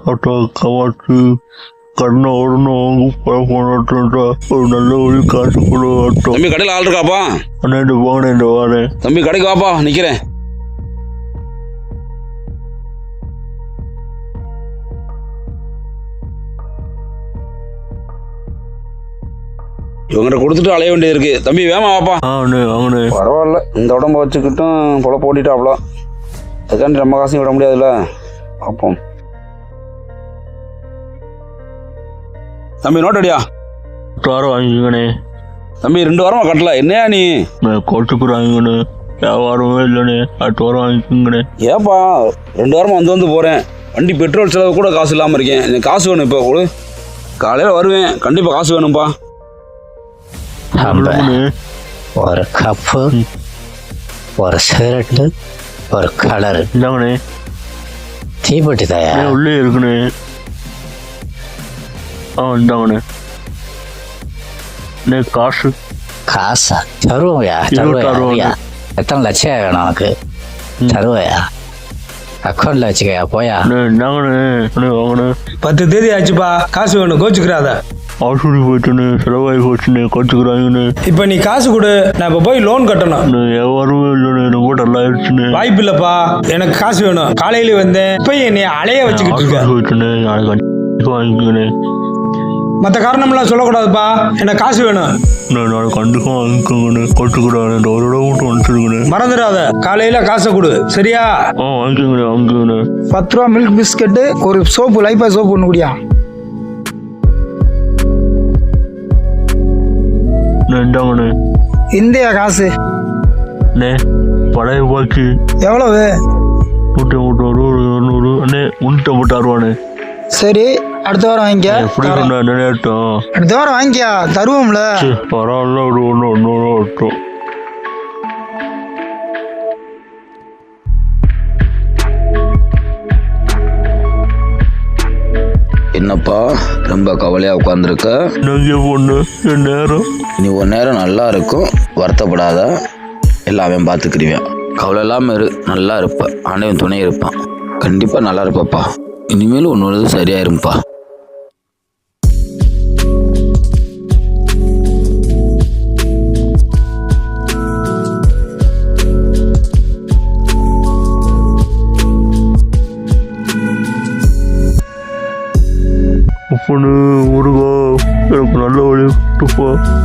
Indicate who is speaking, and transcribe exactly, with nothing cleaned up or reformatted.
Speaker 1: Auto கவாச்சு கண்ணை ஓடணும் போனட்டா ஒரு நல்ல வழி காசு கொடு ஆட்டோ.
Speaker 2: தம்பி கடையில் ஆள் இருக்காப்பா?
Speaker 1: அண்ணா இந்த வாங்க இந்த வாரேன்.
Speaker 2: தம்பி கடைக்கு வாப்பா, நிக்கிறேன். இவங்கிட்ட கொடுத்துட்டு அலைய வேண்டியது இருக்கு. தம்பி வேமா வாப்பா.
Speaker 1: ஆ அண்ணே வாங்கண்ணே.
Speaker 2: பரவாயில்ல, இந்த உடம்ப வச்சுக்கிட்டும் பொல போட்டிட்டாப்ல. அதுக்காண்டி நம்ம காசையும் விட முடியாதுல்ல. பார்ப்போம். தம்பி நோட் அடியா.
Speaker 1: வாரம் வாங்கிக்கண்ணே.
Speaker 2: தம்பி ரெண்டு வாரமா கட்டல, என்னையா நீ?
Speaker 1: கோட்டுக்கு வாங்கிக்கண்ணே. வியாபாரமே இல்லைண்ணே, அடுத்த வாரம் வாங்கிக்கோங்கண்ணே.
Speaker 2: ஏப்பா ரெண்டு வாரமா வந்து வந்து போறேன், வண்டி பெட்ரோல் செலவு கூட காசு இல்லாமல் இருக்கேன். எனக்கு காசு வேணும் இப்போ கொடு. காலையில் வருவேன், கண்டிப்பாக காசு வேணும்ப்பா.
Speaker 3: ஒரு கப்பு, ஒரு சிகரெட்டு, ஒரு கலர்.
Speaker 1: இந்தாங்கண்ணே.
Speaker 3: தீப்பெட்டி தாயா?
Speaker 1: உள்ளே இருக்குண்ணே. ஆ இந்தாங்கண்ணே. அண்ணே காசு.
Speaker 3: காசா? தருவோம்யா தருவோயா. எத்தனை லட்சம் வேணும் உனக்கு? தருவோயா, அக்கௌண்ட்ல வச்சுக்கயா. போயா.
Speaker 1: இந்தாங்கண்ணே வாங்கண்ணே.
Speaker 4: பத்து தேதி ஆச்சுப்பா, காசு வேணும், கோச்சுக்கிறாத.
Speaker 1: ஆசூரி போயிட்டுண்ணே, செலவாகி போச்சுண்ணே, கோச்சுக்கிறாங்கண்ணே.
Speaker 4: இப்போ நீ காசு கொடு, நான் இப்போ போய் லோன் கட்டணும்.
Speaker 1: வியாபாரமே இல்லைண்ணே, ரொம்ப நல்லா ஆயிடுச்சுண்ணே.
Speaker 4: வாய்ப்பு இல்லப்பா, எனக்கு காசு வேணும். காலையில வந்தேன், இப்போ என்னை அலைய வச்சுக்கிட்டு இருக்கேன்.
Speaker 1: போயிட்டுண்ணே, நாளைக்கு வாங்கிக்கண்ணே.
Speaker 4: மற்ற காரணம்லாம் சொல்லக்கூடாதுப்பா, எனக்கு காசு வேணும்.
Speaker 1: நாளைக்கு கண்டிப்பாக வாங்கிக்கோங்கண்ணே, கோச்சுக்கிறாங்க. இந்த ஒரு இடம் மட்டும் வந்துருக்குண்ணே.
Speaker 4: மறந்துடாத, காலையில காசை கொடு, சரியா?
Speaker 1: ஆ வாங்கிக்கோங்கண்ணே வாங்கிக்கோங்கண்ணே.
Speaker 5: பத்து ரூபா மில்க் பிஸ்கட்டு, ஒரு சோப்பு, லைஃபா சோப்பு ஒன்று குடியா.
Speaker 1: இந்தாங்கண்ணே.
Speaker 5: இந்தியா காசு
Speaker 1: அண்ணே பழைய பாக்கி
Speaker 5: எவ்வளவு?
Speaker 1: நூற்றி ஐம்பத்தாறு, ஒரு இரநூறு. அண்ணே முன்னூற்றி ஐம்பத்தாறுவாண்ணே.
Speaker 5: சரி, அடுத்த வாரம் வாங்கிக்க.
Speaker 1: எப்படி நினைட்டோம்,
Speaker 5: அடுத்த வாரம் வாங்கிக்கா, தருவோம்ல.
Speaker 1: பரவாயில்ல, ஒரு ஒன்று ஒன்று வரட்டும்.
Speaker 2: என்னப்பா ரொம்ப கவலையா உட்காந்துருக்க?
Speaker 1: நங்கிய பொண்ணு என் நேரம்.
Speaker 2: நீ ஒரு நேரம் நல்லா இருக்கும், வருத்தப்படாத, எல்லாமே பார்த்துக்கிடுவேன். கவலை இல்லாமல் இரு, நல்லா இருப்ப. ஆண்டவன் துணை இருப்பான், கண்டிப்பாக நல்லா இருப்பப்பா. இனிமேலும் ஒன்று சரியாயிருப்பா.
Speaker 1: பொண்ணு முருகா, எனக்கு நல்ல வழி விட்டுப்பா.